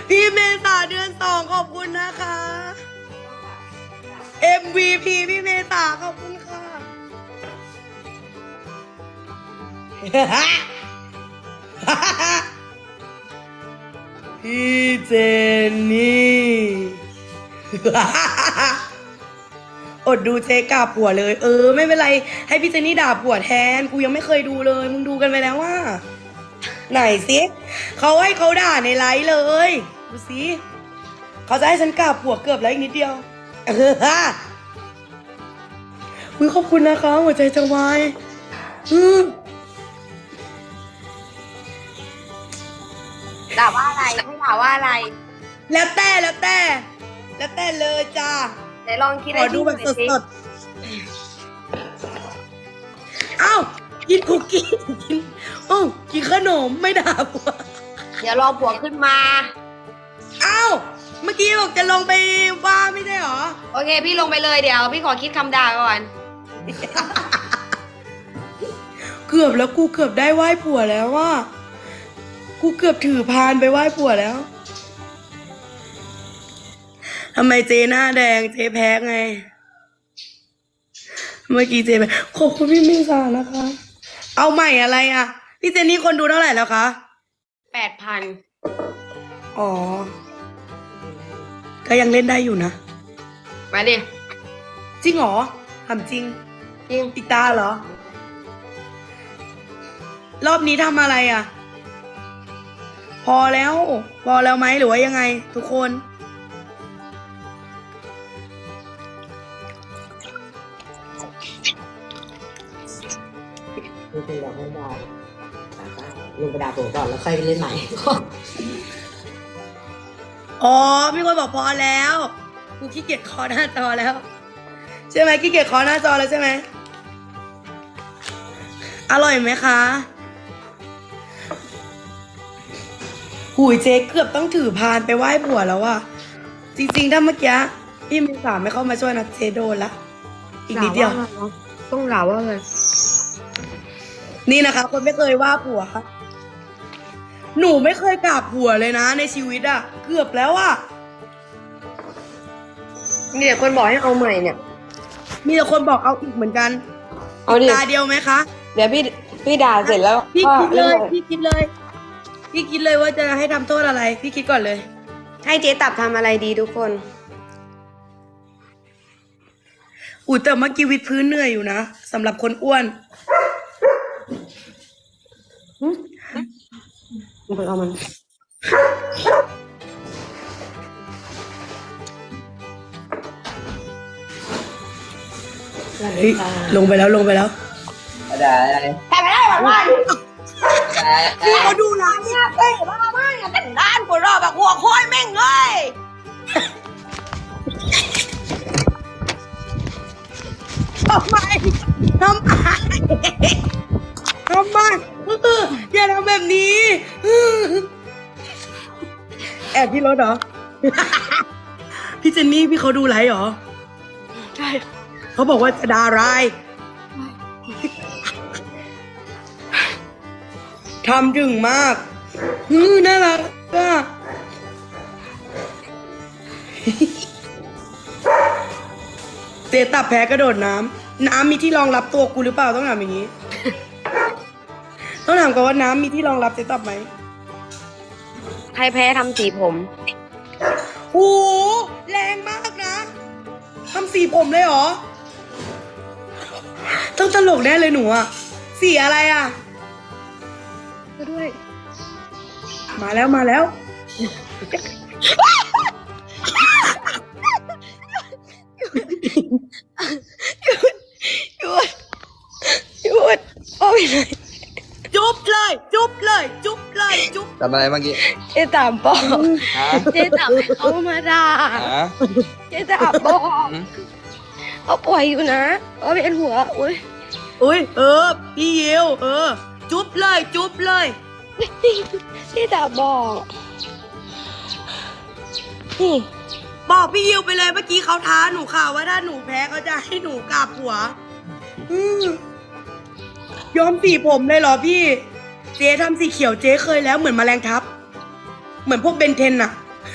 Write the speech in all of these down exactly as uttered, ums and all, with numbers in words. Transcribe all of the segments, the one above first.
พี่เมษาเดือนสองขอบคุณนะคะ เอ็ม วี พี พี่เมษาขอบคุณค่ะ พี่เจนนี่ อดดูเจ๊กาผัวเลย เออไม่เป็นไรให้พี่เจนนี่ด่าผัวแทนกูยังไม่เคยดูเลยมึงดูกันไปแล้วว่าไหนสิเขาให้เขาด่าในไลฟ์เลยดูสิเขาจะให้ฉันกราบผัวเกือบแล้วอีกนิดเดียวเออฮะอุ้ยขอบคุณนะคะหัวใจจะวายอืมด่าว่าอะไรให้ด่าว่าอะไรแล้วแต่แล้วแต่แล้วแต่เลยจ้าไหนลองคิดขอดูแบบสดๆเอ้ากินคุกกี้กินโอ้ากินขนมไม่ด่าผัวเดี๋ยวรอผัวขึ้นมาเอ้าเมื่อกี้บอกจะลงไปว่าไม่ใช่หรอโอเคพี่ลงไปเลยเดี๋ยวพี่ขอคิดคำด่าก่อนเกือบแล้วกูเกือบได้ไหว้ผัวแล้วว่ากูเกือบถือพานไปไหว้ผัวแล้วทำไมเจหน้าแดงเจแพ้ไงเมื่อกี้เจแพ้ขอบคุณพี่เมษานะคะ เอาใหม่อะไรอ่ะพี่เจนนี่คนดูเท่าไหร่แล้วคะแปดพันอ๋อก็ยังเล่นได้อยู่นะมาดิจริงเหรอทำจริงจริงอีกตาเหรอ รอบนี้ทำอะไรอ่ะ พอแล้ว พอแล้วไหมหรือว่ายังไง ทุกคนลุงเป็นแบบไม่ได้ลุงไปด่าผมก่อนแล้วค่อยไปเล่นใหม่อ๋อมีคนบอกพอแล้วกูขี้เกียจเคอหน้าจอแล้ว ใช่ไหมขี้เกียจเคอหน้าจอแล้วใช่ไหมอร่อยไหมคะหูยเจ๊เกือบต้องถือพานไปไหว้ผัวแล้วอะจริงๆถ้าเมื่อกี้พี่มีสามไม่เข้ามาช่วยนะเจ๊โดนละอีกนิดเดียวต้องด่าว่าไงนี่นะคะคนไม่เคยว่าผัวหนูไม่เคยกราบผัวเลยนะในชีวิตอะเกือบแล้วอะมีแต่คนบอกให้เอาใหม่เนี่ยมีแต่คนบอกเอาอีกเหมือนกันเอาดิตาเดียวไหมคะเดี๋ยวพี่พี่ด่าเสร็จแล้วพี่ก็คิดเลยนใหม่พี่คิดเลย พี่คิดเลยว่าจะให้ทำโทษอะไร พี่คิดก่อนเลยให้เจ๊ตับทำอะไรดีทุกคนอุ้ยแต่เมื่อกี้วิดพื้นเหนื่อยอยู่นะสำหรับคนอ้วนไปเอามันเฮ้ยลงไปแล้วลงไปแล้วได้ได้แต่ไม่ได้แบบว่าพี่เขาดูร้านเนี่ยเต้บ้าไม่อะแต่ด้านกูรอแบบหัวโค้ยแม่งเลยทำไมทำไมทำไมเอออย่าทำแบบนี้แอบที่รถเหรอ พี่เจนนี่พี่เขาดูไลฟ์เหรอใช่เขาบอกว่าจะดารายทำถึงมากฮือน่ารักอ่ะ เตะตับแพ้กระโดดน้ำน้ำมีที่รองรับตัวกูหรือเปล่าต้องถามอย่างนี้ ต้องถามก่อนว่าน้ำมีที่รองรับเตะตับไหมใครแพ้ทำสีผมโอ้โหแรงมากนะทำสีผมเลยเหรอ ต้องตลกแน่เลยหนูอะสีอะไรอะก็ด้วยมาแล้วมาแล้วหยุดหยุดโอ้ยเลยจุ๊บเลย จุ๊บเลย จุ๊บเลย จุ๊บทำอะไรเมื่อกี้เจ๊ตามบอกฮะเจ๊ตามเขามาด่าฮะเจ๊ตามบอกเขาป่วยอยู่นะเขาเป็นหัวอุ้ยอุ้ยเออ พี่ยิวเออ จุ๊บเลย จุ๊บเลยเจ๊ตามบอกนี่บอกพี่ยิวไปเลยเมื่อกี้เขาท้าหนูค่ะว่าถ้าหนูแพ้เขาจะให้หนูกราบหัวอืมย้อมสีผมเลยเหรอพี่ เจ๊ทำสีเขียวเจ๊เคยแล้วเหมือนแมลงทับ เหมือนพวกเบนเทนอะ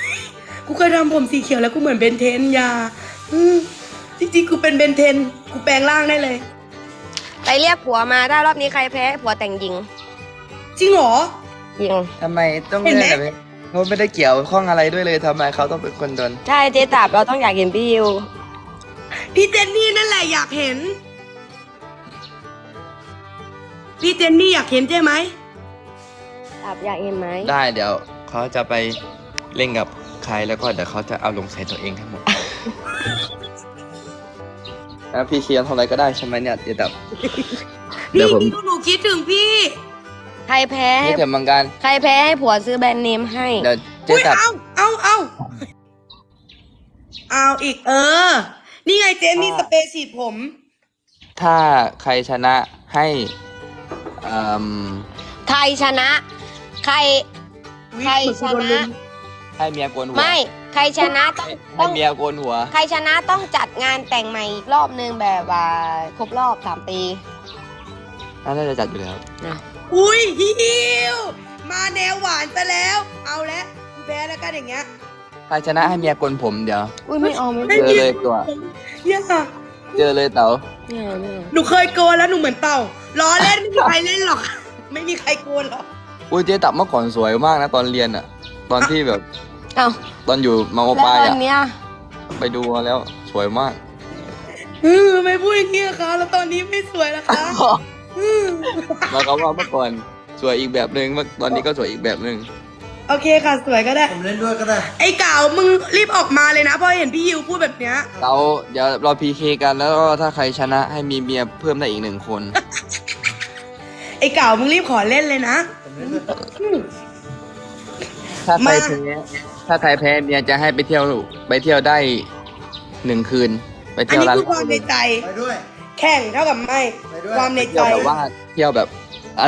กูเคยทำผมสีเขียวแล้วกูเหมือนเบนเทนอยาอืมจริงๆกูเป็นเบนเทนกูแปลงร่างได้เลยไปเรียกผัวมาถ้ารอบนี้ใครแพ้ให้ผัวแต่งหญิงจริงเหรอยิงทำไมต้องเห็นไหมเล่นแบบนี้เขาไม่ได้เกี่ยวข้องอะไรด้วยเลยทำไมเขาต้องเป็นคนโดนใช่เจ๊ตับเราต้องอยากเห็นพี่ยิวพี่เจนนี่นั่นแหละอยากเห็น พี่เจนนี่อยากเห็นใช่ไหมตับอยากเห็นไหมได้เดี๋ยวเขาจะไปเล่นกับใครแล้วก็เดี๋ยวเขาจะเอาลงใส่ตัวเองทั้งหมด แล้วพี่เคียนทำอะไรก็ได้ใช่ไหมเนี่ยเดี๋ยวแบบ เดี๋ยวผมพี่หนูคิดถึงพี่ใครแพ้ให้นี่เดี๋ยวมังการใครแพ้ให้ผัวซื้อแบรนด์เนมให้เดี๋ยวเจ๊อุ้ยตับเอาเอาเอาเอาอีกเออ นี่ไงเจนนี่สเปรย์ฉีดผมถ้าใครชนะให้อืมใครชนะ ใคร ใครชนะให้เมียโกนหัวไม่ ใครชนะต้องให้ต้องเมียโกนหัวใครชนะต้องจัดงานแต่งใหม่อีกรอบนึงแบบว่าครบรอบสามปีน่าจะจัดอยู่แล้วอุ้ยฮิวมาแนวหวานซะแล้ว เอาแล้วกูแพ้แล้วกันอย่างเงี้ยใครชนะให้เมียโกนผมเดี๋ยวอุ้ยไม่เอาไม่ให้เอาเจอเลยตัวเนี่ยเจอเลยเต๋าไม่เอาไม่เอาหนูเคยโกนแล้วหนูเหมือนเต่าล้อเล่นไม่มีใครเล่นหรอก ไม่มีใครโกนหรอกอุ้ยเจ๊ตับเมื่อก่อนสวยมากนะตอนเรียนอะตอนที่แบบเอาตอนอยู่มอแล้วปลายตออะนเนี้ยไปดูมาแล้วสวยมากเออไม่พูดอย่างนี้อะคะแล้วตอนนี้ไม่สวยแล้วคะอืมแล้วเขาว่าเมื่อก่อนสวยอีกแบบหนึ่งเมื่อตอนนี้ก็สวยอีกแบบหนึ่งโอเคค่ะสวยก็ได้ผมเล่นด้วยก็ได้ไอ้เก่ามึงรีบออกมาเลยนะเพราะเห็นพี่ยิวพูดแบบเนี้ยเราเดี๋ยวเราพีเคกันแล้วก็ถ้าใครชนะให้มีเมียเพิ่มได้อีกหนึ่งคนไอ้เก่ามึงรีบขอเล่นเลยนะผมเล่นด้วยอืมถ้าใครมาแพ้ถ้าใครแพ้เมียจะให้ไปเที่ยวไปเที่ยวได้หนึ่งคืน ไปอันเที่ยวนี้ร้านคือความในใจไปด้วยแข่งเท่ากับไม่ไปด้วยความในเที่ใจยวแบบว่าเที่ยวแบบอะไร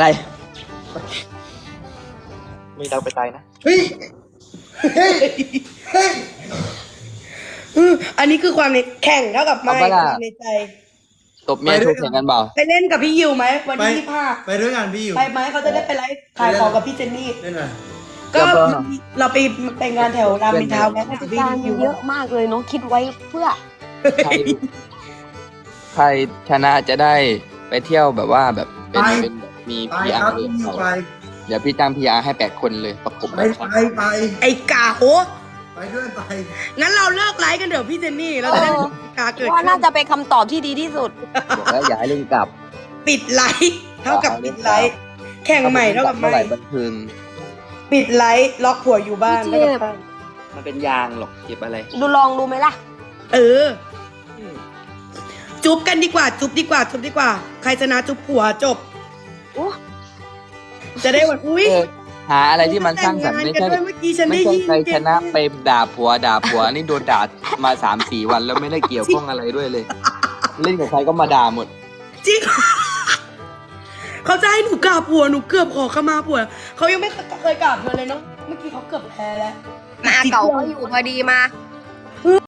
มีเราไปตายนะเฮ้ย เฮ้ย เฮ้ยอืมอันนี้คือความในแข่งเท่ากับไม่เอาปะล่ะความในใจตบเมียโชว์แข่งกันเปล่าไปเล่นกับพี่ยิวไหมวันไปที่ยี่สิบห้าไปด้วยกันพี่อยู่ไปไหมเขาจะได้ไปไลฟ์ขายของกับพี่เจนนี่เล่นหน่อยก็แล้วก็เราไปไปงานแถวรามอินทราวน์แล้วกับพี่การยิวเยอะมากเลยเนาะคิดไว้เพื่อใครใครชนะจะได้ไปเที่ยวแบบว่าแบบเป็นเป็นมีไปพีอาครับร์เลยพี่อยู่ไปเดี๋ยวพี่จ้างพีอาร์ให้แปดคนเลยประกบไปแบบไปไปไอ้กาโหไปด้วยไปงั้นเราเลิกไลฟ์กันเดี๋ยวพี่เจนนี่เราจะได้ไม่มีกาเกิดว่าขึ้น่าน จะเป็นคำตอบที่ดีที่สุดบอกแล้วอย่าให้เล่นกลับปิดไลฟ์เท่ากับปิดไลฟ์แข่งใหม่เท่ากับเมื่อไม่ไหร่บันเทิงปิดไลฟ์ล็อกผัวอยู่บ้านพี่เท่าเทกับพบ้านมันเป็นยางหรอกเก็บอะไรดูลองดูไหมล่ะเออ จุ๊บกันดีกว่า จุ๊บดีกว่า จุ๊บดีกว่า ใครชนะจุ๊บผัวจบโอ้จะได้วันอุ้ยเออหาอะไรที่มันสร้างสรรค์ไม่แต่ใช่งงานกันด้วยเมื่อกี้ฉันไม่ได้ใช่ยินใครชนะไปด่าผัวด่าผัวนี่โดนด่ามาสามสี่วันแล้วไม่ได้เกี่ยวข้องอะไรด้วยเลย เล่นกับใครก็มาด่าหมดจริง เขาจะให้หนูกราบผัวหนูเกือบขอขมาผัวเขายังไม่เคยกราบเธอเลยเนาะเมื่อกี้เขาเกือบแพ้แล้วมาเก่าก็อยู่พอดีมา